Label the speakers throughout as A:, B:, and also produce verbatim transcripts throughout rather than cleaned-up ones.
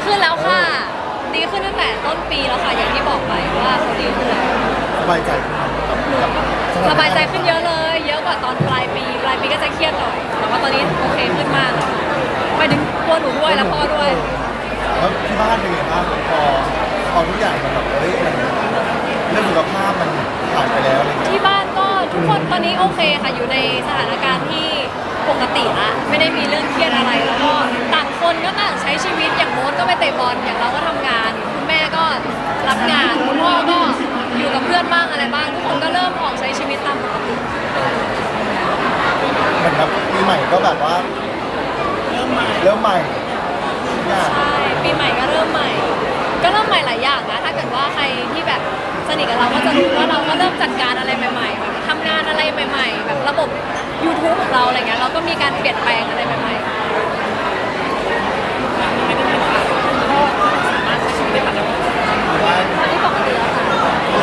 A: ขึ้นแล้วค่ะดีขึ้นตั้งแต่ต้นปีแล้วค่ะอย่างที่บอกไปว่าเขาดีขึ้นแล้ว
B: สบายใจขึ้นกับ
A: สบายใจขึ้นเยอะเลย เยอะกว่าตอนปลายปีปลายปีก็จะเครียดหน่อยแต่ว่าตอนนี้โอเคขึ้นมากเลยไปถึงตัวหนูด้วยและพ่อด้วย
B: แล้วที่บ้านเป็นไงบ้างพอพอทุกอย่างมันแบบเฮ้ยมันเรื่องสุขภาพมันผ่านไปแล้วอะไรเงี้ย
A: ที่บ้านก็ทุกคนตอนนี้โอเคค่ะอยู่ในสถานการณ์ที่ปกติละไม่ได้มีเรื่องเครียดอะไรแล้วก็ต่างคนก็ต่างใช้ชีวิตอย่างโน้ตก็ไปเตะบอลอย่างเราก็ทำงานคุณแม่ก็รับงานคุณพ่อก็อยู่กับเพื่อนบ้างอะไรบ้างทุกคนก็เริ่มออกใช้ชีวิตตามปกติ
B: เหมือนแบบปีใหม่ก็แบบว่าเริ่มใหม่เริ่มใหม่ทุกอย่าง
A: ใช่ปีใหม่ก็เริ่มใหม่ ก็เริ่มใหม่หลายอย่างนะถ้าเกิดว่าใครที่แบบสนิทกับเราก็จะรู้ว่าเราก็เริ่มจัดการอะไรใหม่ๆแบบทำงานอะไรใหม่ ๆ แบบระบบ YouTube ของเราอะไรเงี้ยเราก็มีการเปลี่ยนแปลงอะไรใหม่ๆตอนนี้ปกติแล้วค่ะ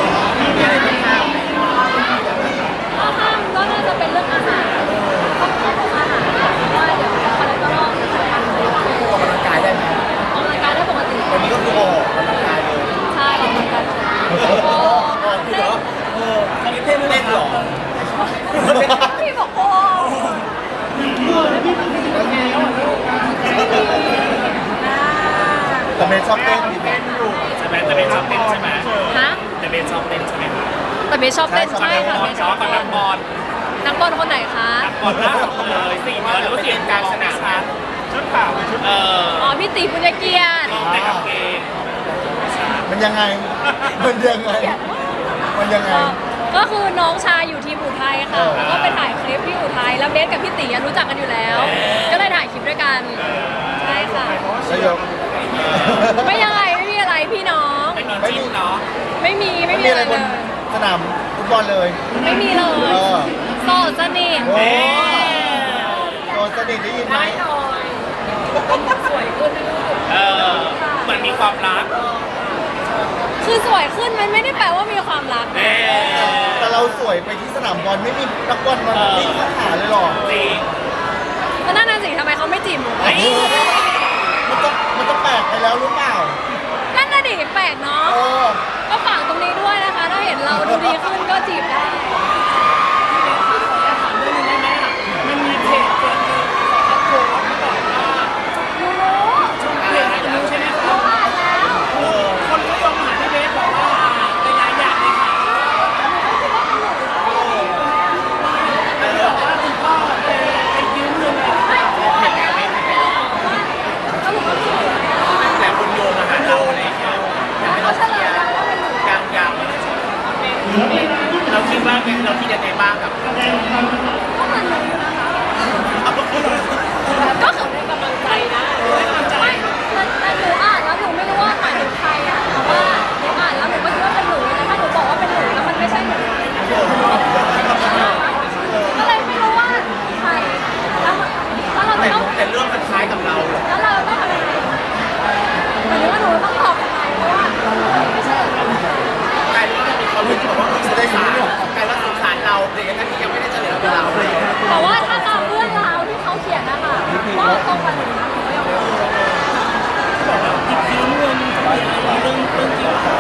A: ถ้าห้ามก็น่าจะเป็นเรื่องอาหารต้องควบคุมอาหารเพราะว่าเดี๋ยวคอเลสเตอรอลจะสูง
B: ออกกำลังกายได้ไหม
A: ออกกำลังกายได้ปกติ
B: วันนี้ก็คือออกกำลังกายเลย
A: ใช่ออกกำลังกายโอ้
B: ออกคือเหรอเออคาริเต้เล่นหรอ
A: พี่บอกโอ้อ่า
B: แต่เมย์ชอบเต้นดีไหม
C: ใช่ไหมแต่เบนชอบเต้นใช่ไหม
A: ฮะ
C: แต่เบนชอบเต้นใช่ไหมครับ
A: แต่เบสชอบเต้นใช่ค่ะเบสชอบ
C: กับ
A: เต้
C: นั
A: น
C: กบอล
A: นักบอลคนไหนคะ
C: บอลล่าสุดเลยสี่เดือนแล้วเสียงกลางสนามชัดชุดขาวชุดเออ
A: อ๋อพี่ตีปุญญเกียรติ
C: ลองแต่กับเกง
B: มันยังไง มันยังไง มันยังไง
A: ก็ก็คือน้องชายอยู่ทีมอุทัยค่ะ
B: เออ
A: แล้วก็ไปถ่ายคลิปที่อุทัยแล้วเบสกับพี่ตีอะรู้จักกันอยู่แล้ว ก็เลยถ่ายคลิปด้วยกันใช่ค่ะ
B: แล้วยก
A: ไม่ยังไงไม่มีอะไรพี่น้อง
C: ไม่มีจิ้นเนาะ
A: ไม่มีไม่
B: ไม่
A: มี
B: มี
A: อะ
B: อะไร ไร
A: เล
B: บน
A: ย
B: สนามฟุตบอลเลย
A: ไม่มีเลย
B: เออ
A: โสดสนิท
B: โอ้โดนสนิทได้ยินไหม
A: ได้หน่อยสวยขึ้นนะลูก
C: เออเหมือนมีความรัก
A: คือสวยขึ้นมันไม่ได้แปลว่ามีความรัก
C: เอ
A: นะ
C: อ
B: แต่เราสวยไปที่สนามบอลไม่มีนักบอลมาวิ่งเข้าหาเลยหรอ
C: จริง
A: ก็นั่นน่ะสิทำไมเขาไม่จีบหนู
C: เฮ้ย
B: มันต้องมันต้องแปลกไปแล้วหรือเปล่า
A: นั่นน่ะดิแปลกเนาะ
B: เออ
A: ก็ฝากตรงนี้ด้วยนะคะ ถ้าเห็นเราดูดีขึ้นก็จีบได้
C: มันมีเพจเกิดขึ้นเขาโพสต์บอกว่า
A: หนูรู้
C: เพจรู้ใช่ไหมค
A: ห
C: รั
A: นู
C: บ
A: อ่านแล้ว
C: คนก็ยอมหาพี่เบสบอกว่าหลายๆอย่างเลยค่ะบอกว่าคุณพ่อไปไปยืมเงินอะไร
A: ไม่หนูอ่านแล้วแล้วหนูก็จีบ
C: แต่คนโยงมาหาเราอะไรอย่างเงี้ย
A: เขาเฉลยแล้วว่าเป็นหนู
C: ยังยังไม่ได้ใช่เราคิดว่าเราคิดยังไงบ้างกับ
A: ก็เหมือนหนูอยู่นะคะก็คือเป็นกำลังใจนะไม่แต่แต่หนูอ่านแล้วหนูไม่รู้ว่าหมายถึงใครอ่ะแต่ว่าหนูอ่านแล้วหนูก็คิดว่าเป็นหนูแต่ถ้าหนูบอกว่าเป็นหนูแล้วมันไม่ใช่หนูก็เลยไม่รู้ว่าใครแล้วแล้วเราจะต้อง
C: แต่เรื่องมันคล้ายกับเราเหรอ
A: แล้วเราต้องทำยังไงหมายถึงว่าหนูต้องตอบยังไงเพราะว่าไม่ใช่
C: กลายเป็นว่ามีความรู้สึกว่าสงสารกลายว่าสงสารเราแต่ยังนั้นยังไม่ได้เฉลยเป็นเราเลย
A: แต่ว่าถ้าตามเรื่องราวที่เขาเขียนนะคะว่าตรงกันหนูนะหนูก็ยอมรับ
C: ยืมเงินอะไรเรื่องเรื่องจริง
A: ค่ะ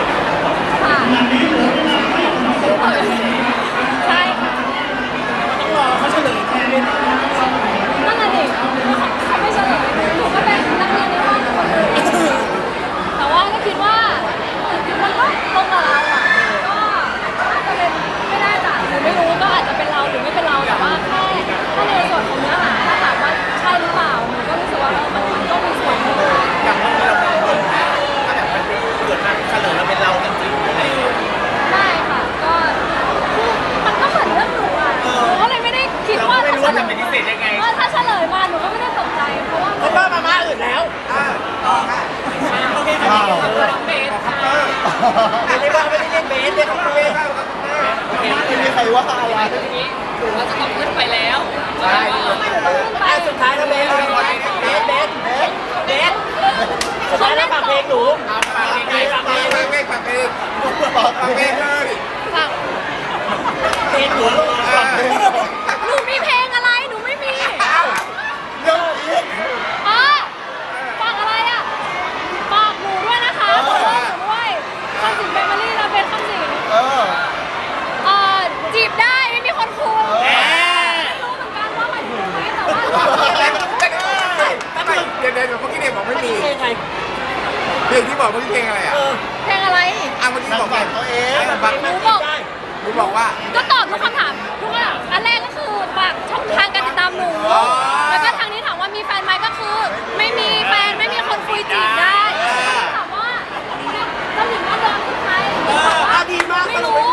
A: ใช่ค่ะ
C: ต้องรอเขาเฉลยแทนด้วยนะ
A: นั่นแหละดิเขาไม่เฉลยหนูก็เป็นนักเรียนในห้องคนหนึงแต่ว่าก็คิดว่ามันก็ตรงกับเราอ่ะก็อาจจะเป็นไม่ได้จ้ะหนูไม่รู้ก็อาจจะเป็นเราหรือไม่เป็นเราแต่ว่าแค่ถ้าในส่วนของเนื้อหาถ้าถามว่าใช่หรือเปล่าหนูก็รู้สึกว่าเออมันมันก็มีส่วนอยู่
C: อย่างเมื่อกี้เราเป็นคนถ้าแบบมันเกิดมาเฉลยเราเป็นเราจริงๆอะไรอย่างเงี้ย
A: ได้ค่ะก็คือมันก็เหมือนเรื่องหนูอ่ะหนูก็เลยไม่ได้คิด
C: เรา
A: ว่า
C: ไม่รู้
A: ถ้า
C: ว่า
A: เฉล
C: จะ
A: ย
C: ปฏิเสธยังไง
A: ว่าถ้าเฉลยมาหนูก็ไม่ได้ตกใจเพราะว่า
C: เพราะว่ามาม่าอื่นแล้วโอเคค่ะ
B: ว้าว
A: เบสค่ะ
C: ไม่ได้ว่าไม่ได้เล่นเบสเลยครับเบส
B: ไม่มีใครว่าอะไร
A: หนูว่าจะต้องขึ้นไปแล้ว
C: ใช่อ่ะสุดท้ายนะเบสเราขอเบสเบสเบสสุดท้ายแล้วฝากเพลงหนูฝากเพลงฝากเพลง
B: ไม่ฝากเพลงฝากเพลงเลย
A: ฝาก
C: เพลงหนูฝากเพลง
A: หนูมีเพลงอะไรหนูไม่มี
B: เรื่องนี้
A: อ๋อฝากอะไรอ่ะ
B: ฝ
D: ลงที่บอกเมื่อกี้เพลงอะไรอ่ะ
C: เออ
A: เพลงอะไร
D: อ่ะเมื่อกี้บอกว่า
B: ตัวเอง
C: แบบเพลงมันคิดได้
D: หนูบอกว่า
A: ก็ตอบทุกคำถามทุกคำถามอันแรกก็คือฝากช่องทางการติดตามหนู
D: อ๋อ
A: แล้วก็ทางนี้ถามว่ามีแฟนไหมก็คือ ไม่มีแฟนไม่มีคนคุยจีบได้ถามว่าเจ้าหญิงแม่เดิมคือใคร
C: เอออ่ะดีมาก
A: ไม่
C: สรุป
A: รู้